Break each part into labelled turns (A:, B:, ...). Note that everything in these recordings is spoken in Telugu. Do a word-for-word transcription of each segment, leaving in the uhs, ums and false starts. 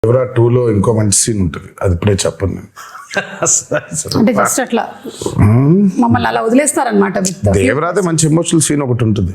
A: దేవరా టూ లో ఇంకో మంచి సీన్ ఉంటుంది, అది ఇప్పుడే చెప్పను నేను.
B: అంటే జస్ట్ అట్లా మమ్మల్ని అలా వదిలేస్తారనమాట.
A: దేవరాదే మంచి ఎమోషనల్ సీన్ ఒకటి ఉంటుంది.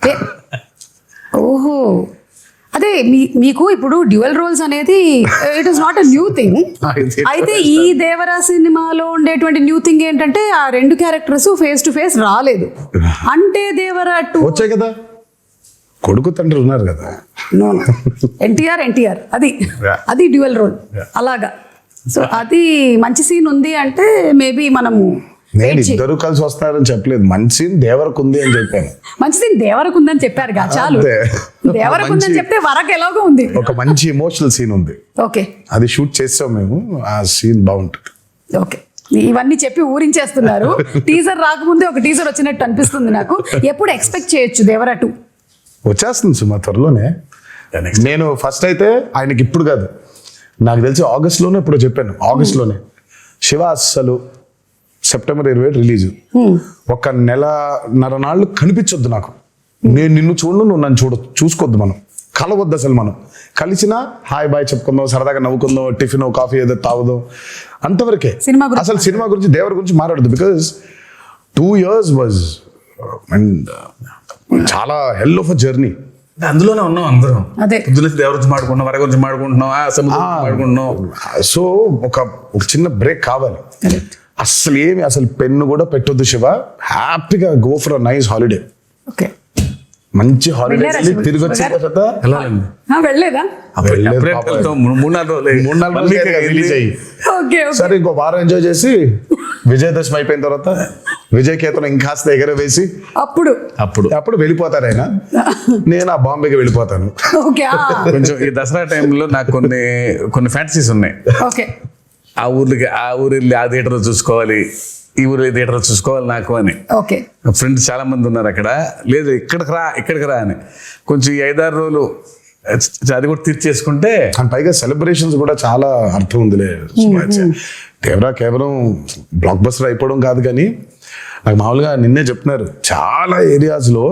B: ఓహో, అదే మీ మీకు ఇప్పుడు డ్యూయల్ రోల్స్ అనేది it is not a new thing. అయితే ఈ దేవరా సినిమాలో ఉండేటువంటి న్యూ థింగ్ ఏంటంటే ఆ రెండు క్యారెక్టర్స్ ఫేస్ టు ఫేస్ రాలేదు. అంటే దేవరా టూ
A: వచ్చాయి కదా, కొడుకు తండ్రి ఉన్నారు కదా.
B: నో ఎన్టీఆర్ ఎన్టీఆర్ అది అది డ్యూయల్ రోల్ అలాగా. సో అది మంచి సీన్ ఉంది అంటే మేబీ మనము
A: నేను ఇద్దరు కలిసి వస్తున్నారని చెప్పలేదు, మంచి సీన్ దేవరకు ఉంది అని చెప్పాను.
B: మంచి సీన్ దేవరకు ఉందని చెప్పారు కదా, చాలు. దేవరకు ఉందని చెప్తే వరకు ఎలాగో ఉంది.
A: ఒక మంచి ఎమోషనల్ సీన్ ఉంది,
B: ఓకే,
A: అది షూట్ చేస్తాం మేము. ఆ సీన్ బాగుంటుంది.
B: ఓకే, ఇవన్నీ చెప్పి ఊరించేస్తున్నారు. టీజర్ రాకముందే ఒక టీజర్ వచ్చినట్టు అనిపిస్తుంది నాకు. ఎప్పుడు ఎక్స్పెక్ట్ చేయొచ్చు దేవరా టూ?
A: వచ్చేస్తుంది సుమా త్వరలోనే. నేను ఫస్ట్ అయితే ఆయనకి ఇప్పుడు కాదు, నాకు తెలిసి ఆగస్ట్లోనే ఇప్పుడు చెప్పాను, ఆగస్ట్లోనే శివ అస్సలు సెప్టెంబర్ ఇరవై ఏడు రిలీజ్. ఒక నెలన్నర నాళ్ళు కనిపించొద్దు నాకు, నేను నిన్ను చూడను, నువ్వు నన్ను చూడ చూసుకోవద్దు, మనం కలవద్దు అసలు. మనం కలిసినా హాయ్ బాయ్ చెప్పుకుందాం, సరదాగా నవ్వుకుందాం, టిఫిన్ కాఫీ ఏదో తాగుదాం, అంతవరకే. అసలు సినిమా గురించి దేవర గురించి మాట్లాడదు. Because two years was and చాలా హెల్ ఆఫ్ అ జర్నీ.
C: అందులోనే ఉన్నాం అందరం.
B: అదే
C: దేవర గురించి మాడుకుంటున్నాం, వర గురించి మాడుకుంటున్నాం, మాడుకుంటున్నాం.
A: సో ఒక ఒక చిన్న బ్రేక్ కావాలి. అసలు ఏమి అసలు పెన్ను కూడా పెట్టొద్దు శివ, హ్యాపీగా go for a nice holiday.
B: Okay,
A: మంచి హాలిడే తిరిగి వచ్చిన తర్వాత
B: వెళ్ళలేదా?
C: మూడు నాలుగు రోజులు
A: రిలీజ్ అయ్యి సరే ఇంకో వారం ఎంజాయ్ చేసి విజయదశమి అయిపోయిన తర్వాత విజయ్ కేతనం ఇంకాస్త ఎగర వేసి
B: అప్పుడు
A: అప్పుడు అప్పుడు వెళ్ళిపోతారు ఆయన, నేను ఆ బాంబేకి వెళ్ళిపోతాను.
C: కొంచెం ఈ దసరా టైంలో నాకు కొన్ని కొన్ని ఫ్యాంటసీస్ ఉన్నాయి.
B: ఓకే,
C: ఆ ఊర్లకి ఆ ఊరు వెళ్ళి ఆ థియేటర్ చూసుకోవాలి, ఈ ఊరు థియేటర్ చూసుకోవాలి నాకు అని.
B: ఓకే,
C: ఫ్రెండ్స్ చాలా మంది ఉన్నారు అక్కడ. లేదు ఇక్కడికి రా ఇక్కడికి రా అని కొంచెం ఈ ఐదారు రోజులు అది కూడా తీర్చేసుకుంటే.
A: అండ్ పైగా సెలబ్రేషన్స్ కూడా చాలా అర్థం ఉందిలే. దేవరా కేవలం బ్లాక్ బస్టర్ అయిపోవడం కాదు, కానీ నాకు మామూలుగా నిన్నే చెప్తున్నారు చాలా ఏరియాస్లో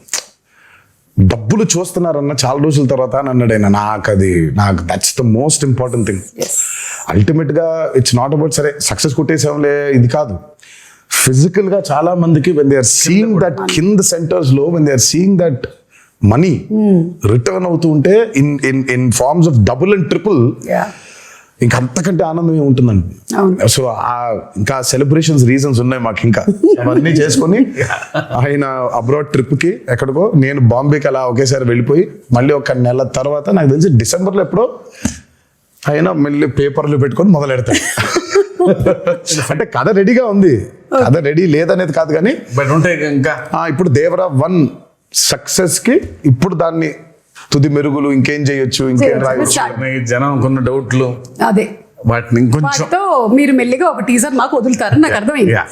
A: డబ్బులు చూస్తున్నారన్న చాలా రోజుల తర్వాత అని అన్నాడు ఆయన. నాకు అది నాకు that's the most important thing. Ultimate గా ఇట్స్ నాట్ అబౌట్ సరే సక్సెస్ కొట్టేసాంలే ఇది కాదు. ఫిజికల్ గా చాలా మందికి when they are seeing that కింద సెంటర్స్ లో when they are seeing that money return అవుతూ ఉంటే in in in forms of double and triple, ఇంకా అంతకంటే ఆనందం ఏముంటుందండి. సో ఆ ఇంకా సెలబ్రేషన్స్ రీజన్స్ ఉన్నాయి మాకు, ఇంకా అవన్నీ చేసుకొని ఆయన అబ్రాడ్ ట్రిప్ కి ఎక్కడికో, నేను బాంబేకి అలా ఒకేసారి వెళ్ళిపోయి మళ్ళీ ఒక నెల తర్వాత నాకు తెలిసి డిసెంబర్లో ఎప్పుడో ఆయన మళ్ళీ పేపర్లు పెట్టుకొని మొదలు పెడతాడు. అంటే కథ రెడీగా ఉంది, కథ రెడీ లేదనేది కాదు, కానీ
C: బట్ ఉంటే ఇంకా
A: ఇప్పుడు దేవరా వన్ సక్సెస్ కి ఇప్పుడు దాన్ని తుది మెరుగులు ఇంకేం చేయొచ్చు, ఇంకేం రాయొచ్చు,
C: జనం కొన్న డౌట్లు
B: అదే
C: వాటిని ఇంకొంచెం
B: మీరు మెల్లిగా ఒక టీజర్ మాకు వదులుతారని నాకు అర్థమైంది.